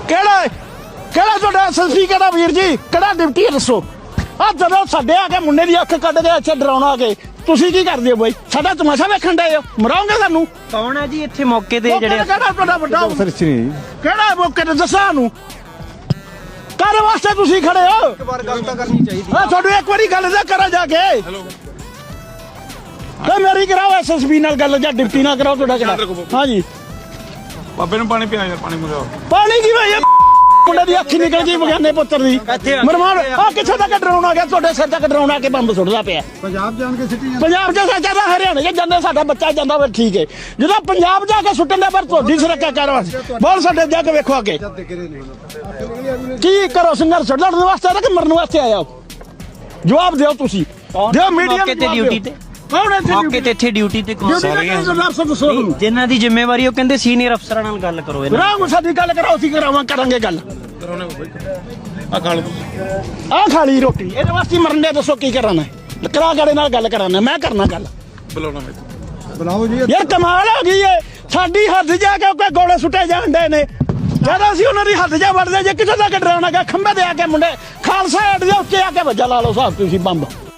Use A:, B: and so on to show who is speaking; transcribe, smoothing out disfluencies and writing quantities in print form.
A: ਕਿਹੜਾ ਕਿਹੜਾ ਤੁਹਾਡਾ ਐਸਐਸਪੀ ਕਿਹੜਾ ਵੀਰ ਜੀ ਕਿਹੜਾ ਡਿਪਟੀ ਦੱਸੋ ਆ ਜਦੋਂ ਸਾਡੇ ਆ ਕੇ ਮੁੰਡੇ ਦੀ ਅੱਖ ਕੱਢ ਕੇ ਇੱਥੇ ਡਰਾਉਣਾ ਆ ਕੇ ਤੁਸੀਂ ਕੀ ਕਰਦੇ ਹੋ ਬਾਈ ਸਾਡਾ ਤਮਾਸ਼ਾ ਵੇਖਣ ਡਏ ਹੋ ਮਰਾਉਂਗੇ ਸਾਨੂੰ
B: ਕੌਣ ਹੈ ਜੀ ਇੱਥੇ ਮੌਕੇ ਤੇ ਜਿਹੜੇ
A: ਕਿਹੜਾ ਤੁਹਾਡਾ ਵੱਡਾ ਕਿਹੜਾ ਮੌਕੇ ਤੇ ਦੱਸਾਂ ਨੂੰ ਕਾਹਦੇ ਵਾਸਤੇ ਤੁਸੀਂ ਖੜੇ ਹੋ
C: ਇੱਕ ਵਾਰ ਗੱਲ ਤਾਂ ਕਰਨੀ ਚਾਹੀਦੀ
A: ਆ ਤੁਹਾਨੂੰ ਇੱਕ ਵਾਰੀ ਗੱਲ ਤਾਂ ਕਰਾਂ ਜਾ ਕੇ ਤੇ ਮੇਰੀ ਕਰਾਓ ਐਸਐਸਪੀ ਨਾਲ ਗੱਲ ਜਾਂ ਡਿਪਟੀ ਨਾਲ ਕਰਾਓ ਤੁਹਾਡਾ ਕਿਹੜਾ ਹਾਂਜੀ
D: ਬਾਬੇ ਨੂੰ ਪਾਣੀ ਪਿਆ ਯਾਰ ਪਾਣੀ ਮੰਗਾਓ
A: ਪਾਣੀ ਕੀ ਹੋਇਆ ਮੁੰਡੇ ਦੀ ਅੱਖੀ ਨਿਕਲ ਗਈ ਬਗਾਨੇ ਪੁੱਤਰ ਦੀ ਮਰਮਾਨ ਆ ਕਿੱਥੇ ਤੱਕ ਡਰਾਉਣਾ ਗਿਆ ਤੁਹਾਡੇ ਸਿਰ ਤੱਕ ਡਰਾਉਣਾ ਕੇ ਬੰਬ ਸੁੱਟਦਾ ਪਿਆ
C: ਪੰਜਾਬ ਜਾਣ ਕੇ ਸਿੱਟੀ
A: ਪੰਜਾਬ ਚ ਸਾਡਾ ਹਰਿਆਣੇ ਚ ਜਾਂਦੇ ਸਾਡਾ ਬੱਚਾ ਜਾਂਦਾ ਫਿਰ ਠੀਕ ਹੈ ਜਦੋਂ ਪੰਜਾਬ ਜਾ ਕੇ ਸੁੱਟਣ ਦੇ ਪਰ ਤੁਹਾਡੀ ਸੁਰੱਖਿਆ ਕਰਵਾ ਬਹੁਤ ਸਾਡੇ ਜਾ ਕੇ ਵੇਖੋ ਅੱਗੇ ਕੀ ਕਰੋ ਸੰਘਰਸ਼ ਲੜਨ ਵਾਸਤੇ ਕਿ ਮਰਨ ਵਾਸਤੇ ਆਇਆ ਜਵਾਬ ਦਿਓ ਤੁਸੀਂ ਦਿਓ ਮੀਡੀਆ
B: ਮੌਕੇ ਤੇ ਡਿਊਟੀ ਤੇ
A: ਕੌਣ ਹੈ
B: ਮੌਕੇ ਤੇ ਇੱਥੇ ਡਿਊਟੀ ਤੇ ਕੌਣ ਜਿਨ੍ਹਾਂ ਦੀ ਜ਼ਿੰਮੇਵਾਰੀ ਉਹ ਕਹਿੰਦੇ ਸੀਨੀਅਰ ਅਫਸਰਾਂ ਨਾਲ ਗੱਲ ਕਰੋ ਇਹਨਾਂ
A: ਰਾਮ ਸਾਡੀ ਗੱਲ ਕਰਾਓ ਅਸੀਂ ਕਰਾਂਗੇ ਗੱਲ
D: ਆ ਖਾ ਲਓ
A: ਆ ਖਾਲੀ ਰੋਟੀ ਇਹਦੇ ਵਾਸਤੇ ਮਰਨ ਦੇ ਦੱਸੋ ਕੀ ਕਰਨਾ ਕਰਾ ਗਾੜੇ ਨਾਲ ਗੱਲ ਕਰਾਣਾ ਮੈਂ ਕਰਨਾ ਗੱਲ
D: ਬੁਲਾਉਣਾ ਮੈਂ
C: ਬੁਲਾਓ ਜੀ
A: ਯਾਰ ਕਮਾਲ ਹੋ ਗਈ ਏ ਸਾਡੀ ਹੱਦ ਜਾ ਕੇ ਕੋਈ ਗੋਲੇ ਸੁੱਟੇ ਜਾਂਦੇ ਨੇ ਜਦੋਂ ਅਸੀਂ ਉਹਨਾਂ ਦੀ ਹੱਦ ਜਾ ਵੜਦੇ ਜੇ ਕਿਤੇ ਤੱਕ ਡਰਾਉਣਾ ਗਾ ਖੰਭੇ ਦੇ ਆ ਕੇ ਮੁੰਡੇ ਖਾਲਸਾ ਐਡ ਦੇ ਉੱਤੇ ਆ ਕੇ ਵੱਜਾ ਲਾ ਲਓ ਸਾਹਿਬ ਤੁਸੀਂ ਬੰਬ